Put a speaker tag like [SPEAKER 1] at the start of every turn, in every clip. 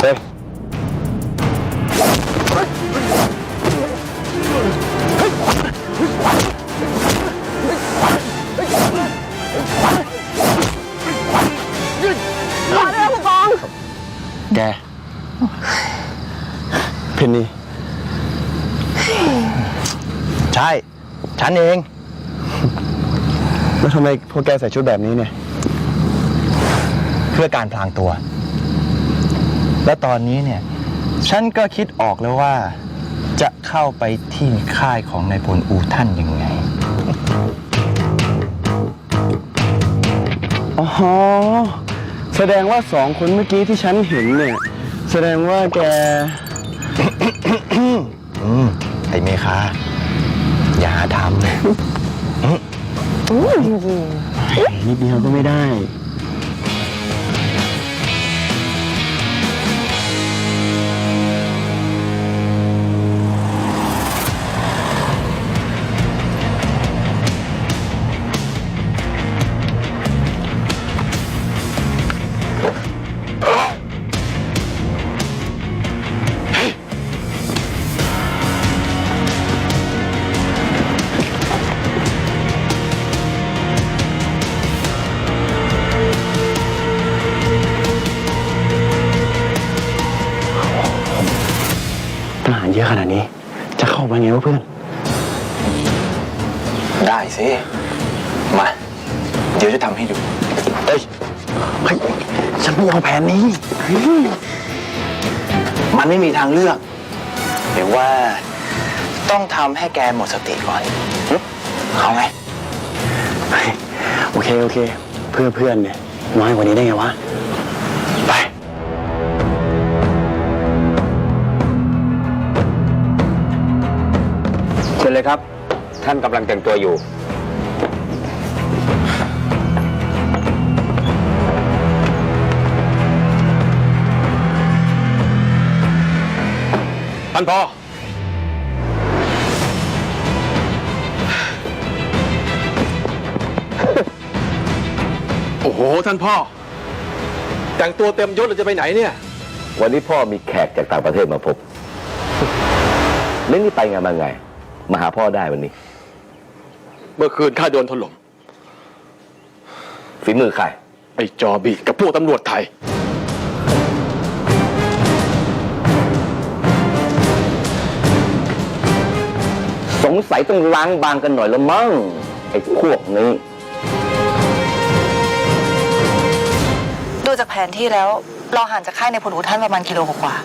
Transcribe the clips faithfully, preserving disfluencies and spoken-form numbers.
[SPEAKER 1] เฮ้ย
[SPEAKER 2] มาเลยผู้กอง
[SPEAKER 1] แกเพนนีใช่ฉันเองแล้วทำไมพวกแกใส่ชุดแบบนี้เนี่ยเพื่อการพลางตัวและตอนนี้เนี่ยฉันก็คิดออกแล้วว่าจะเข้าไปที่ค่ายของนายพลอูท่านยังไงอ๋อแสดงว่าสองคนเมื่อกี้ที่ฉันเห็นเนี่ยแสดงว่าแก อืมไอ้เมคาอย่าทำนิดเดียวก็ไม่ได้ทหารเยอะขนาดนี้จะเข้าไปไงวะเพื่อนได้สิมาเดี๋ยวจะทำให้ดูเฮ้ยเฮ้ยฉันไม่เอาแผนนี้มันไม่มีทางเลือกเดี๋ยวว่าต้องทำให้แกหมดสติก่อนเอาไงโอเคโอเคเพื่อเพื่อนเนี่ยน้อยกว่านี้ได้ไงวะไปเชิญเลยครับท่านกำลังแต่งตัวอยู่ท่านพ่อ
[SPEAKER 3] โอ้โหท่านพ่อแต่งตัวเต็มยศเราจะไปไหนเนี่ย
[SPEAKER 4] วันนี้พ่อมีแขกจากต่างประเทศมาพบเล่นนี่ไปไงมาไงมาหาพ่อได้วันนี้
[SPEAKER 3] เมื่อคืนข้าโดนถล่ม
[SPEAKER 4] ฝีมือใคร
[SPEAKER 3] ไอ้จอบีกับพวกตำรวจไทย
[SPEAKER 4] สงสัยต้องล้างบางกันหน่อยละมั้งไอ้พวกนี้
[SPEAKER 2] ดูจากแผนที่แล้วเราห่างจากค่ายในพลอูท่านประมาณกิโลกว่า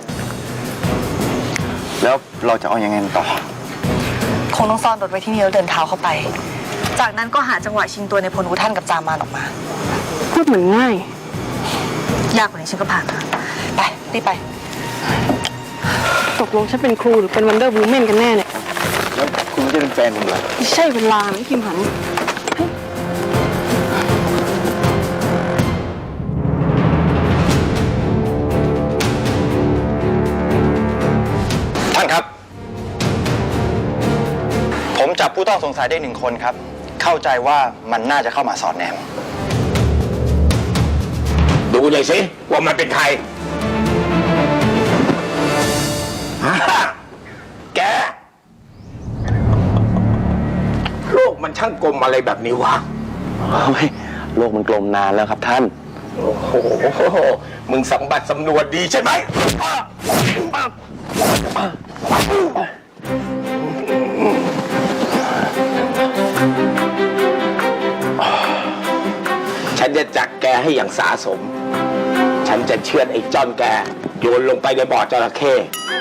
[SPEAKER 1] แล้วเราจะเอายังไงต่อ
[SPEAKER 2] คงต้องซ่อนรถไว้ที่นี่แล้วเดินเท้าเข้าไปจากนั้นก็หาจังหวะชิงตัวในพลอูท่านกับจามานออกมาพูดเหมือนง่ายยากกว่านี้ฉันก็ผ่านมาไปรีบไปตกลงฉันเป็นครูหรือเป็นวันเดอร์วูแมนกันแน่เนี่ย
[SPEAKER 1] แล้วคุณจะเป็นแฟนผมเหรอ
[SPEAKER 2] ไม่ใช่เวลานะคิมหัน
[SPEAKER 1] ท่านครับผมจับผู้ต้องสงสัยได้หนึ่งคนครับเข้าใจว่ามันน่าจะเข้ามาสอดแนม
[SPEAKER 4] ดูหน่อยสิว่ามันเป็นใครแกโลกมันช่างกลมอะไรแบบนี้วะ
[SPEAKER 1] โลกมันกลมนานแล้วครับท่าน
[SPEAKER 4] โอ้โหมึงสัมบัติสำนวนดีใช่ไหมฉันจะจักแกให้อย่างสาสมฉันจะเชือดไอ้จ้อนแกโยนลงไปในบ่อจระเข้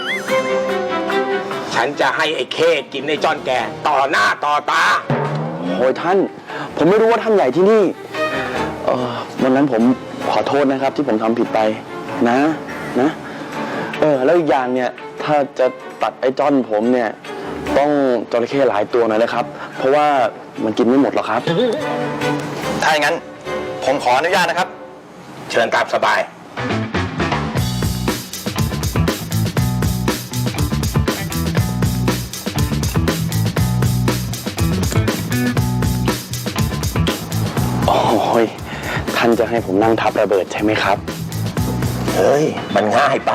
[SPEAKER 4] ฉันจะให้ไอ้เข้กินไอ้จ้อนแกต่อหน้าต่อตา
[SPEAKER 1] โอ้ยท่านผมไม่รู้ว่าท่านใหญ่ที่นี่เออวันนั้นผมขอโทษนะครับที่ผมทำผิดไปนะนะเออแล้วอีกอย่างเนี่ยถ้าจะตัดไอ้จ้อนผมเนี่ยต้องจระเข้หลายตัวหน่อยนะครับเพราะว่ามันกินไม่หมดหรอกครับถ้าอย่างนั้นผมขออนุญาตนะครับ
[SPEAKER 4] เชิญตามสบาย
[SPEAKER 1] โอ้ยท่านจะให้ผมนั่งทับระเบิดใช่ไหมครับ
[SPEAKER 5] เฮ้ย มันง่ายไป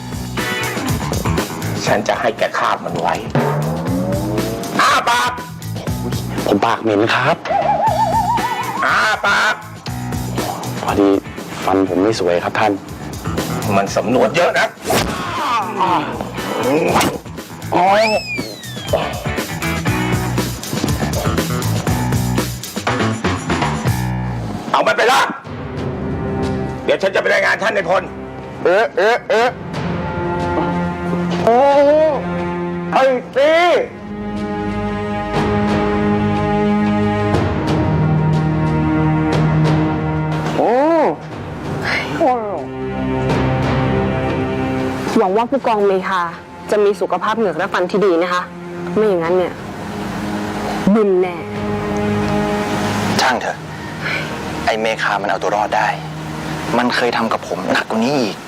[SPEAKER 5] ฉันจะให้แกคาบมันไว้ อ้าปาก
[SPEAKER 1] ผมปากเหม็นครับ
[SPEAKER 5] อ้าปาก
[SPEAKER 1] พอดีฟันผมไม่สวยครับท่าน
[SPEAKER 5] มันสำนวนเยอะนะโอ้ยเอามันไปละ เดี๋ยวฉันจะไปรายงานท่านในายพล
[SPEAKER 1] เอ๊ะเอ๊ะเอ๊ะโอ้ไอ้ตีโอ้
[SPEAKER 6] หวังว่าผู้กองเมคาจะมีสุขภาพเหงือกและฟันที่ดีนะคะ ไม่อย่างนั้นเนี่ยบึนแน่
[SPEAKER 7] ช่างเถอะ ไอเมคามันเอาตัวรอดได้ มันเคยทำกับผมหนักกว่านี้อีก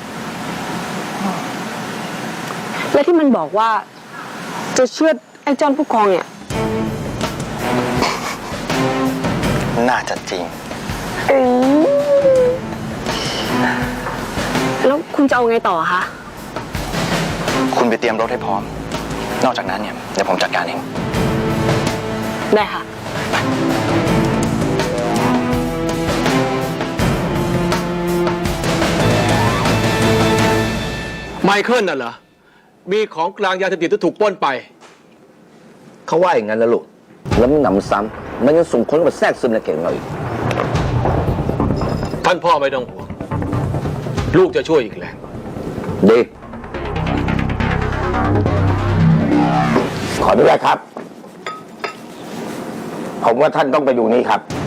[SPEAKER 6] และที่มันบอกว่าจะเชื่อดไอ้จอนผู้กองเนี่ย
[SPEAKER 7] น่าจะจริง
[SPEAKER 6] เอ้ยแล้วคุณจะเอาไงต่อคะ
[SPEAKER 7] คุณไปเตรียมรถให้พร้อม นอกจากนั้นเนี่ยเดี๋ยวผมจัดการเอง
[SPEAKER 6] ได้ค่ะ
[SPEAKER 3] ไมเคิลน่ะเหรอ มีของกลางยาเสพติดที่ถูกปล้นไป
[SPEAKER 4] เขาว่าอย่างนั้นแล้วลูก แล้วมันหนำซ้ำมันยังส่งคนมาแทรกซึมในเก่งเราอีก
[SPEAKER 3] ท่านพ่อไม่ต้องห่วง ลูกจะช่วยอีกแหละ
[SPEAKER 4] ดี
[SPEAKER 5] ขออนุญาตครับ ผมว่าท่านต้องไปดูนี่ครับ